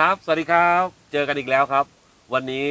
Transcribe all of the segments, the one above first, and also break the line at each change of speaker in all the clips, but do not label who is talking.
ครับสวัสดีครับเจอกันอีกแล้วครับวันนี้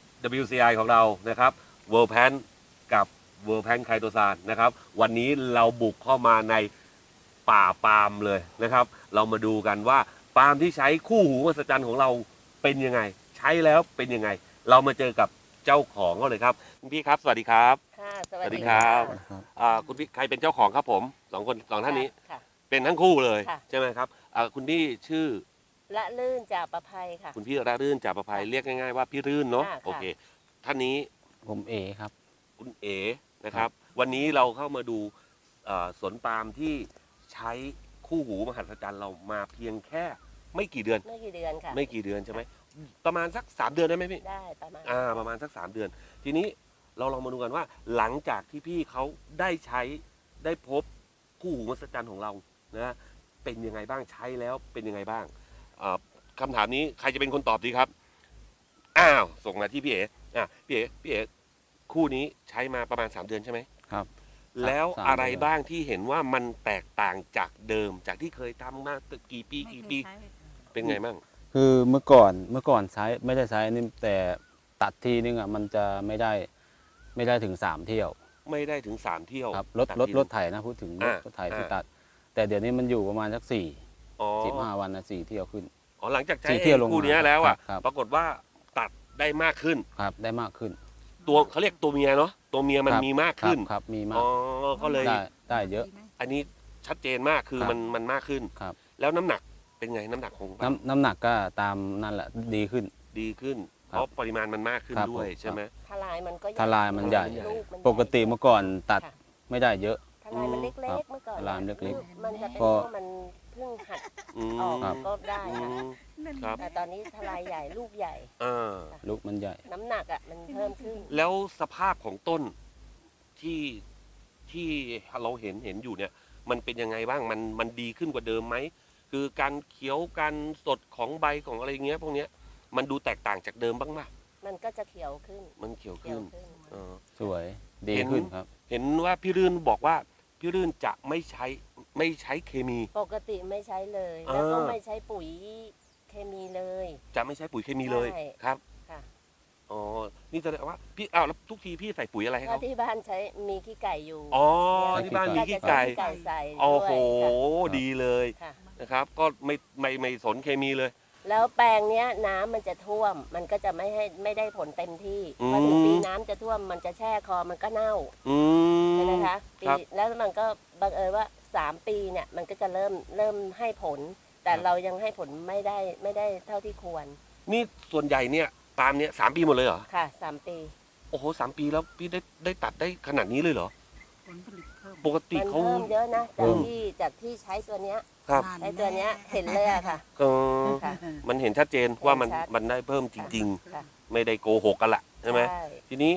WCI ของเรานะครับ World Pan กับ World Pan ไคโตซานนะครับวันนี้เราบุกเข้ามาในป่าปาล์มเลยนะครับเรามาดูกันว่าปาล์มที่ใช้คู่หูมหัศจรรย์ของเราเป็นยังไงใช้แล้วเป็นยังไงเรามาเจอกับเจ้าของเขาเลยครับคุณพี่ครับสวัสดีครับ
ค่ะส
ส
วั
วั
ส
ส
ดี
ดีค
ค่ะ
รับคุณพี่ใครเป็นเจ้าของครับผมสองท่านนี้
ค่ะ
เป็นทั้งคู่เลย
ค่ะ
ใช่ไหมครับคุณพี่ชื่อ
ละลื่นจากประภัยค่ะ
คุณพี่รารื่นจากประภัย
ค่ะ
เรียกง่ายๆว่าพี่รื่นเนาะ
ค่ะ
โอเคท่านนี้
ผมเอครับ
คุณเอ๋นะครับ วันนี้เราเข้ามาดูสวนปาล์มที่ใช้คู่หูมหัศจรรย์เรามาเพียงแค่ไม่กี่เดือน
ไม่กี่เดือนค่ะ
ไม่กี่เดือนใช่ไหมประมาณสัก3 เดือนได้ไหมพี่
ได้ประมาณ
ประมาณสัก3 เดือน ทีนี้เราลองมาดูกันว่า หลังจากที่พี่เขาได้ใช้ได้พบคู่หูมหัศจรรย์ของเรานะเป็นยังไงบ้างใช้แล้วเป็นยังไงบ้างคำถามนี้ใครจะเป็นคนตอบดีครับส่งมาที่พี่เอ๋พี่เอ๋คู่นี้ใช้มาประมาณ3 เดือนใช่ไหม
ครับ
แล้ว
3
อะไร
เดือน
บ้างที่เห็นว่ามันแตกต่างจากเดิมจากที่เคยทำมากี่ปีเป็นไงบ้าง
คือเมื่อก่อนใช้ไม่ได้ใช้นี่แต่ตัดทีนึงอ่ะมันจะไม่ได้ถึง3 เที่ยว
ไม่ได้ถึง3 เที่ยว
ครับ
ตัด
รถ
ที
รถไถนะพูดถึงรถไถที่ตัด แต่เดี๋ยวนี้มันอยู่ประมาณสัก
อ๋อ
15 วันนะ4 เที่ยวขึ้น
หลังจากใช้
4 เที่ยวลงมา
คู่เนี้ยแล้วอ่ะ
ครับ
ปรากฏว่าตัดได้มากขึ้น
ครับได้มากขึ้น
ตัวเขาเรียกตัวเมียเนาะตัวเมียมัน
ครับ
มีมากขึ้น
ครับมีมา
อ๋
ก
อก็เลย
ได้เยอะ
อันนี้ชัดเจนมากคือ
ครับ
มันมากขึ้น
ครับ
แล้วน้ำหนักเป็นไงน้ำหนักของ
น้ำหนักก็ตามนั่นแหละดีขึ้น
ดีขึ้น
ครับ
เพราะปริมาณมันมากขึ้น
ครับ
ด้วย
ผม
ใช่ไหม
ทลายมันก็
ทลายมันใหญ่
ลูมัน
ปกติเมื่อก่อนตัด
ค่ะ
ไม่ได้เยอะ
ทลายมันเล็
ครั
ก
บ
ๆเมื่อก่อน
ทลายมันเล็ก
มันจะเป็น
พอ
เพราะมันเพิ่งหัด
อืม
ออก
ครับ
ก็ได้
อื
ค่ะ
มครับ
แต่ตอนนี้ทลายใหญ่ลูกใหญ่
อ่า
ลูกมันใหญ่
น้ำหนักอ่ะมันเพิ่มขึ้น
แล้วสภาพของต้นที่ที่เราเห็นอยู่เนี่ย มันเป็นยังไงบ้างมันดีขึ้นกว่าเดิมไหมคือการเขียวการสดของใบของอะไรเงี้ยพวกเนี้ยมันดูแตกต่างจากเดิมบ้างไหม
มันก็จะเขียวขึ้น
มันเขียว
เขีย
ขึ้
วน ขึ้น
เออ
สวยดี
เห็น
ขึ้นครับ
เห็นว่าพี่รื่นบอกว่าพี่รื่นจะไม่ใช้เคมี
ปกติไม่ใช้เลย
อ่า
แล้วก็ไม่ใช้ปุ๋ยเคมีเลย
จะไม่ใช้ปุ๋ยเคมีเลย
ใช่
ครับ
ค่ะ
อ๋อนี่แสดงว่าพี่แล้วทุกทีพี่ใส่ปุ๋ยอะไรให้
ถ้า
เขา
ที่บ้านใช้มีขี้ไก่อยู่
อ๋อ
ใช้
ที่บ้านมี
ขี้
ขี้
ไก่
ไก่
ก็จะใช้ขี้ไก่ใส่
โอ้โห
ด้วย
ดีเลย
ค่ะ
นะครับ ก็ไม่สนเคมีเลย
แล้วแปลงเนี้ยน้ำมันจะท่วม มันก็จะไม่ได้ผลเต็มที่
อืม
พอถึงปีน้ำจะท่วมมันจะแช่คอมันก็เน่า
อืม
ใช่ไหมคะปี
ครับ
แล้วมันก็บังเอิญว่า3 ปีเนี่ยมันก็จะเริ่มให้ผล แต่เรายังให้ผลไม่ได้เท่าที่ควร
นี่ส่วนใหญ่เนี่ยปาล์มเนี่ย3 ปีหมดเลยเหรอ
ค่ะ3 ปี
โอ้โห3 ปีแล้วพี่ได้ตัดได้ขนาดนี้เลยเหรอ
ผลผลิตเพิ่ม
ปกติ
มัน
เขา
เพิ่มเยอะนะ
เพิ่
จาก
ม
ที่ใช้ตัวเนี้ย
ครับ
ใช้ตัวเนี้ยเห็นเลยอะค่ะ
เออ
ค่ะ
มันเห็นชัดเจนว่ามัน
เห็นชัด
มันได้เพิ่มจริง
ค่ะ
ๆ ไม่ได้โกหกกันละใช่ไหม
ใช่
ทีนี้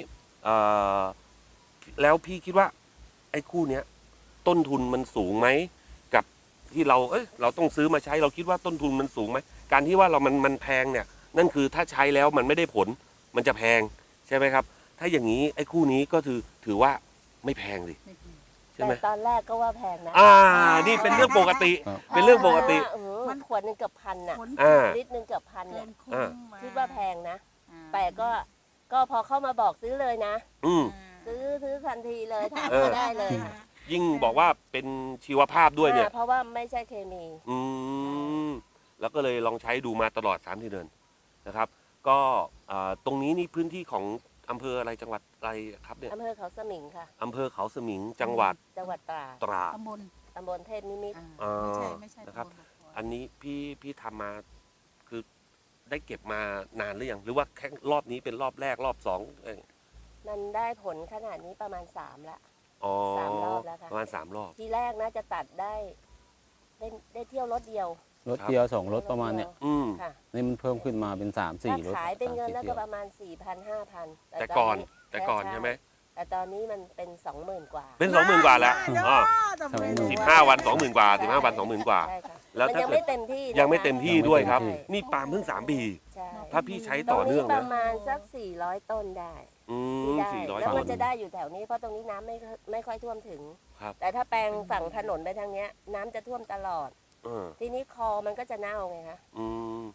แล้วพี่คิดว่า ไอ้คู่เนี้ยต้นทุนมันสูงไหมกับที่เราต้องซื้อมาใช้เราคิดว่าต้นทุนมันสูงไหมการที่ว่ามันแพงเนี่ย นั่นคือถ้าใช้แล้วมันไม่ได้ผล มันจะแพงใช่ไหมครับ ถ้าอย่างนี้ไอ้คู่นี้ก็ถือว่าไม่แพงสิใช่ไหม
แต่ตอนแรกก็ว่าแพงนะ
นี่เป็นเรื่องปกติ
ครับ
เป็นเรื่องปกติ
มันขวดหนึงเกือบพันน่ะ
ผล
อ่า
ลิตรหนึงเกือบพัน
เกิ
เนี่ย
นคุ้มม
คิดว่าแพงนะ
อ่า
แต่ก็พอเข้ามาบอกซื้อเลยนะ
อืม
ซื้อทันทีเลยถาม
เออ
ก็ได้เลย
ยิ่งบอกว่าเป็นชีวภาพด้วยเนี่ย
เพราะว่าไม่ใช่เคมี
อืมแล้วก็เลยลองใช้ดูมาตลอด3 เดือนนะครับ ก็ตรงนี้นี่พื้นที่ของอำเภออะไรจังหวัดอะไรครับเนี่ย
อำเภอเขาสมิงค่ะ
อำเภอเขาสมิงจังหวัด
จังหวัดตราด
ตราด
ตำบล
ตำบลเทพนิมิตร
ไม่ใช่
นะครับ
ตำบลบัว
อันนี้พี่ทำมาคือได้เก็บมานานหรือยังหรือว่าแค่รอบนี้เป็นรอบแรกรอบ2
มันได้ผลขนาดนี้ประมาณ3ละ
อ๋อ
3 รอบแล้วค่ะ
ประมาณ3 รอบ
ทีแรกนะจะตัดได้เที่ยวรถเดียว
รถเดียว2 รถประมาณเนี่ย
อืม
ค่ะ
นี่มันเพิ่มขึ้นมาเป็น3-4
ถ้าร
ถ
ขายเป็นเงิน
3-4
แล้ว
เที่
ก็
ยว
ประมาณ 4,000 5,000
แต่ก่อนใช่ไหม
แต่ตอนนี้มันเป็น 20,000 กว่า
เป็น 20,000 กว่าแล้ว
ได้
อ๋อ
ตำบล
15 วัน 20,000 กว่า15 วัน 20,000 กว่า
ใช่ค่ะ
แล้ว
มัน
ถ้า
ยัง
เกิด
ไม่เต็มที่นะคะ
ยังไม่เต็มที่ด้วยครับ
ใช่
นี่ปาล์มเพิ่ง3 ปี
ใช่
ถ้าพี่ใช้
ตร
ต่อง
นี้
เนื่อง
ป
นะ
ระมาณสัก400 ต้นได้
อื
ที่
ม
ได้
400
แล้ว
ต้
มัน นจะได้อยู่แถวนี้เพราะตรงนี้น้ำไม่ค่อยท่วมถึง
ครับ
แต่ถ้าแปลงฝั่งถนนไปทางเนี้ยน้ำจะท่วมตลอด
เออ
ทีนี้คอมันก็จะเน่าไงคะ
อืม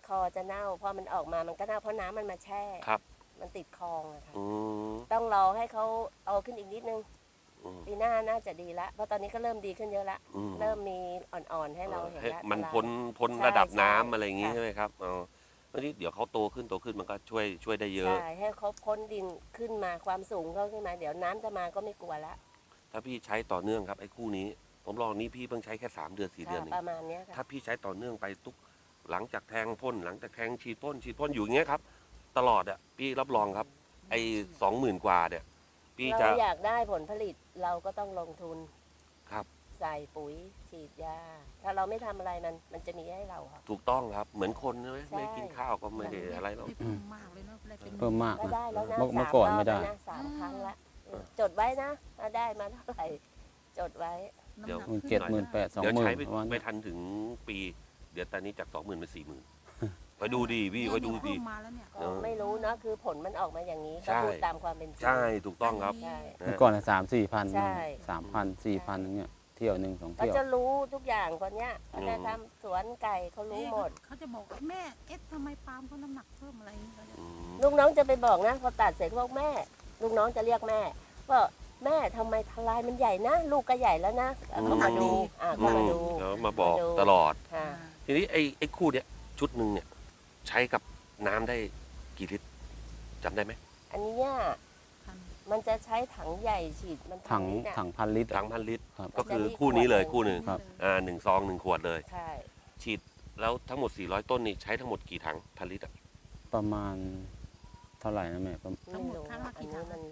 คอจะเน่าพอมันออกมามันก็เน่าเพราะน้ำมันมาแช่
ครับ
มันติดคลองอะค่ะ
อืม
ต้องรอให้เขาเอาขึ้นอีกนิดนึง
อืม
ปีหน้าน่าจะดีละเพราะตอนนี้ก็เริ่มดีขึ้นเยอะละ
อืม
เริ่มมีอ่อนๆให้เราเห็น
ให้
ละ
มัน
ตาราง
พ้น
ใช่
ระดับน้ำ
ใช่
อะไรอย่างงี้
ค่ะ
ใช่ไหมครับอ๋อแล้วนี่เดี๋ยวเขาโตขึ้นมันก็ช่วยได้เยอะ
ใช่ให้เขาพ้นดินขึ้นมาความสูงเขาขึ้นมา เดี๋ยวน้ำจะมาก็ไม่กลัวละ
ถ้าพี่ใช้ต่อเนื่องครับไอ้คู่นี้ ผมลองนี้พี่เพิ่งใช้แค่3 เดือน 4 เดือนเอ
ป
ง
ระมาณเนี้ยค่ะ
ถ้าพี่ใช้ต่อเนื่องไปทุกหลังจากแทงพ่นหลังจากแทงฉีดพ่นอยู่อย่างเงี้ยครับ ตลอดอ่ะพี่รับรองครับ ไอ้20,000 กว่าเนี่ยพี่จะ
เราอยากได้ผลผลิตเราก็ต้องลงทุน
ครับ
ใส่ปุ๋ยฉีดยาถ้าเราไม่ทำอะไรมันจะมีให้เราค่ะ
ถูกต้องครับเหมือนคนใช่ไหม
ใช่
ไม่กินข้าวก็ไม่ได้อะไรหรอก
เพิ่มมากเลยเนาะได้เป็น
เพิ่มมาก
ก็
นะ
ได้แล้วนะ
เมื่อ
สาม
ก่อน
รอบ
ไม่ได้
แล้วนะ3 ครั้งละจดไว้นะว่าได้มาเท่าไหร่จดไว้
เดี๋ยว
น้ำหนัก
70,000
เดี๋ยว
80,000
ใช้
ประมาณ
ไม่ทันถึงปี เดี๋ยวตอนนี้จาก 20,000 เป็น 40,000 ไปดูดีพี่ไปดูดี
เพิ่มมาแล้วเนี่ย
ก็ไม่รู้เนอะคือผลมันออกมาอย่างนี้
ใช่
ก็พูดตามความเป็นจริง
ใช่ถูกต้องครับ
ใช่
เมื่อก่อน3-4 พัน
ใช่
3,000 4,000อย่างเงี้ยเที่ยวหนึ่ง2
ก็
เที่ยว
จะรู้ทุกอย่างคนเนี้ยเขาจะทำสวนไก่เขารู้หมด
เขาจะบอกว่าแม่ทำไมปาล์มเขาน้ำหนักเพิ่มอะไรอย่างเงี้ย
อืม
ลูกน้องจะไปบอกนะพอตัดเสร็จเขาบอกแม่ ลูกน้องจะเรียกแม่ว่าแม่ทำไมทลายมันใหญ่นะ ลูกก็ใหญ่แล้วนะเขามาดูเขามาดู
แล้วมาบอก
มาดู
ตลอด
ค่ะ
ทีนี้ไอ้คู่เนี้ยชุดหนึ่งเนี่ยใช้กับน้ำได้กี่ลิตรจำได้ไหม
อันเนี้ยมันจะใช้ถังใหญ่ฉีดมัน
ถัง
ลิตรอะ
ถังพันลิตร
ถัง1,000 ลิตร
ครับ
ก็คือคู่นี้เลยคู่หนึ่ง
ครับ
1 ซอง 1 ขวดเลย
ใช่
ฉีดแล้วทั้งหมด 400 ต้นนี่ใช้ทั้งหมดกี่ถังพันลิตรอะ
ประมาณเท่าไหร่นะแม่ประมาณ
ทั้งหมด
รู้
ครั้งละ
อัน
กี่
นี้
ถัง
มัน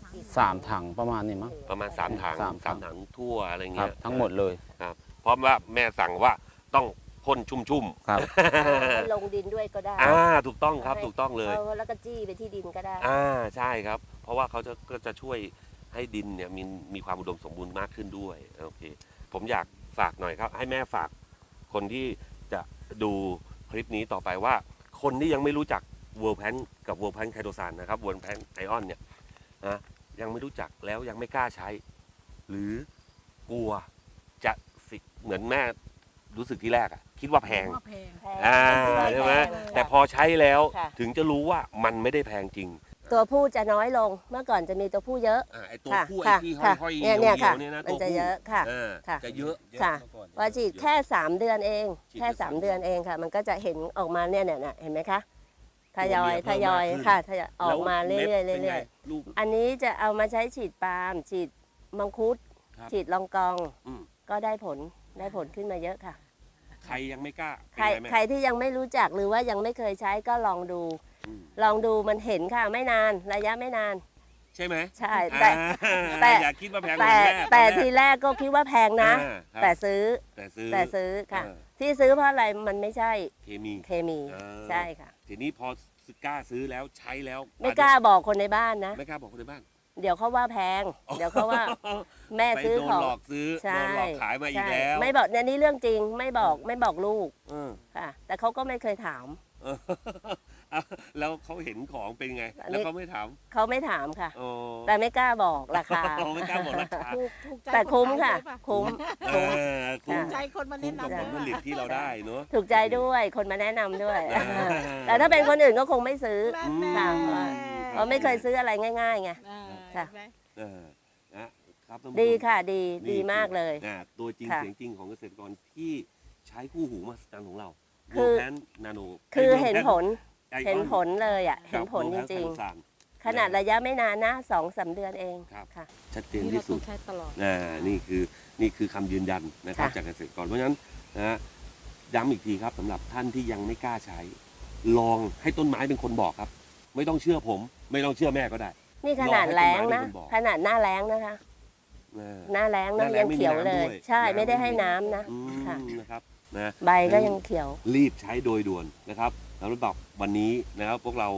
3 ถังประมาณนี้มั้ง
ประมาณ 3 ถัง
สามถัง
3 ถังทั่วอะไร
ครั
เงี้
บ
ย
ทั้งหมดเลย
เพราะว่าแม่สั่งว่าต้องพ่นชุ่ม
ครับ
ให้ลงดินด้วยก็ได้
ถูกต้องครับถูกต้องเลย
แล้วก็จี้ไปที่ดินก็ได้
ใช่ครับ เพราะว่าเขาก็จะช่วยให้ดินเนี่ยมีความอุดมสมบูรณ์มากขึ้นด้วยโอเคผมอยากฝากหน่อยครับ ให้แม่ฝากคนที่จะดูคลิปนี้ต่อไปว่า คนที่ยังไม่รู้จักเวิร์ลแพนกับเวิร์ลแพนไคโตซานนะครับเวิร์ลแพนไอออนเนี่ยนะยังไม่รู้จักแล้วยังไม่กล้าใช้ หรือกลัวจะเหมือนแม่รู้สึกที่แรกอะคิดว่าแพง
ว่าแพง
แพง
ใช่ไหม
แพง
แต่พอใช้แล้ว
ค่ะ
ถึงจะรู้ว่ามันไม่ได้แพงจริง
ตัวผู้จะน้อยลงเมื่อก่อนจะมีตัวผู้เยอะ
ไอตัว
ค่ะ
ผู้ไอ
ค่ะ
ที่
ค่ะ
ห้อย
เนี่ย
ๆ
เนี่ย
เหี่
ค่ะ
ยวๆเนี่ยนะ
มั
ตั
น
ว
จะ
ผู้
เยอะค่ะ
ค่ะจะเยอะ
ค่ะพอฉีดแค่3 เดือนเอง
ฉีด
แค่
แค่
3 เดือนเองค่ะ มันก็จะเห็นออกมาเนี่ยเห็นไหมคะทยอย
ตัวเมียเพิ่มมากขึ้น
ค่ะทยอยออกมา
แล้ว
เรื่อย
ม็ดป็น
ๆเรื่
ไง
อย
ลูก
ๆอันนี้จะเอามาใช้ฉีดปาล์มฉีดมังคุด
ครับ
ฉีดลองกอง
อืม
ก็ได้ผลขึ้นมาเยอะค่ะ
ใครยังไม่กล้า
ใคร
เป็นไง
ใคร
แม่
ที่ยังไม่รู้จักหรือว่ายังไม่เคยใช้ก็ลองดู
อืม
ลองดูมันเห็นค่ะไม่นานระยะไม่นาน
ใช่ไหม
ใช่แต่ แต่
อย่าคิดว่าแพงเหมื
แต่
อนแม่
แต่
อนแรก
ทีแรกก็คิดว่าแพงนะ
ครับ
แต่ซื้อ
แต่ซื้อ
แต่ซื้อค่ะ
เออ
ที่ซื้อเพราะอะไรมันไม่ใช่
เคมี
เคมี
เออ
ใช่ค่ะ
ทีนี้พอกล้าซื้อแล้วใช้แล้ว
ไม่กล้าบอกคนในบ้านนะ
ไม่กล้าบอกคนในบ้าน
เดี๋ยวเขาว่าแพง เดี๋ยวเขาว่าแม่
ไป
ซื้อ
โดน
ของ
หลอกซื้อ
ใช่
โดนหลอกขายมาอีก
ใช่
แล้ว
ไม่บอกเนี่ยนี่เรื่องจริงไม่บอกลูก
เออ
ค่ะ แต่เขาก็ไม่เคยถาม
เออเอาแล้วเขาเห็นของเป็นไง
อันนี้
แล้วเขาไม่ถาม
เขาไม่ถามค่ะ
โอ้
แต่ไม่กล้าบอกราคา
ไม่กล้าบอกราคา
ถูกใจ
แต่คุ้ม
นขาย
ค่ะ
ด้วยป
คุ้ม
เออคุ้ม
ค่ะ
ใจคนมา
คุ้
แนะ
มกับ
นำ
ผลผลิตที่เราได้เนอะ
ถูกใจด้วยคนมาแนะนำด้วย
อ่า
แต่ถ้าเป็นคนอื่นก็คงไม่ซื้อ
แน่
ค่ะ เพราะไม่เคยซื้ออะไรง่ายๆไง ค่ะ
เห็นไหม
เออนะครับท่านผู้ชม
ดีค่ะดี
นี่
ดีมากเลย
ตัวจริง
ค่ะ
เสียงจริงของเกษตรกรที่ใช้คู่หูมหัศจรรย์ของเรา
คือ
แพนนาโน
คือเห็นผลเห็นผลเลยอ่ะเห็นผลจริง
ๆ
ๆ ขนาดระยะไม่นานนะ2-3 เดือนเอง
ครับ
ค่ะ
ชัดเจน
นี่
ที่
เรา
สุ
ต้อ
ด
งใช้ตลอด
นี่คือคำยืนยันนะครับ
ค่ะ
จากเกษตรกรเพราะฉะนั้นนะย้ำอีกทีครับสำหรับท่านที่ยังไม่กล้าใช้ ลองให้ต้นไม้เป็นคนบอกครับ ไม่ต้องเชื่อผม ไม่ต้องเชื่อแม่ก็ได้
นี่ขนาดแล้งนะ
รอให้ต้นไม้เป็นคนบอก
ขนาดหน้าแล้งนะคะ
เออ
หน้าแล้ง
หน้า
นะ
แล้
ยัง ง
ไม่มี
เขียว
น้ำ
เลย
ด้วย
ใช่
น้ำ
ไม่ได้
ไม่
ให้
มี
น้ำนะ
อืม
ค่ะ
นะครับนะ
ใบก็ยังเขียว
รีบใช้โดยด่วนนะครับสำหรับวันนี้นะครับพวกเรา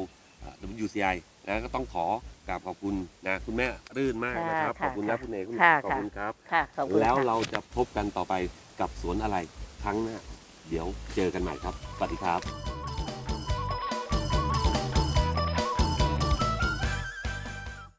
WCI นะก็ต้องขอกราบขอบคุณนะคุณแม่รื่นมากนะครับ
ค่ะ
ขอบคุณนะ
ค่ะ
คุณเอก
ค่ะ
ขอบคุณครับ
ค่ะขอบคุณ
แล้ว
ค่ะ
เราจะพบกันต่อไปกับสวนอะไรครั้งหน้า เดี๋ยวเจอกันใหม่ครับสวัสดีครับ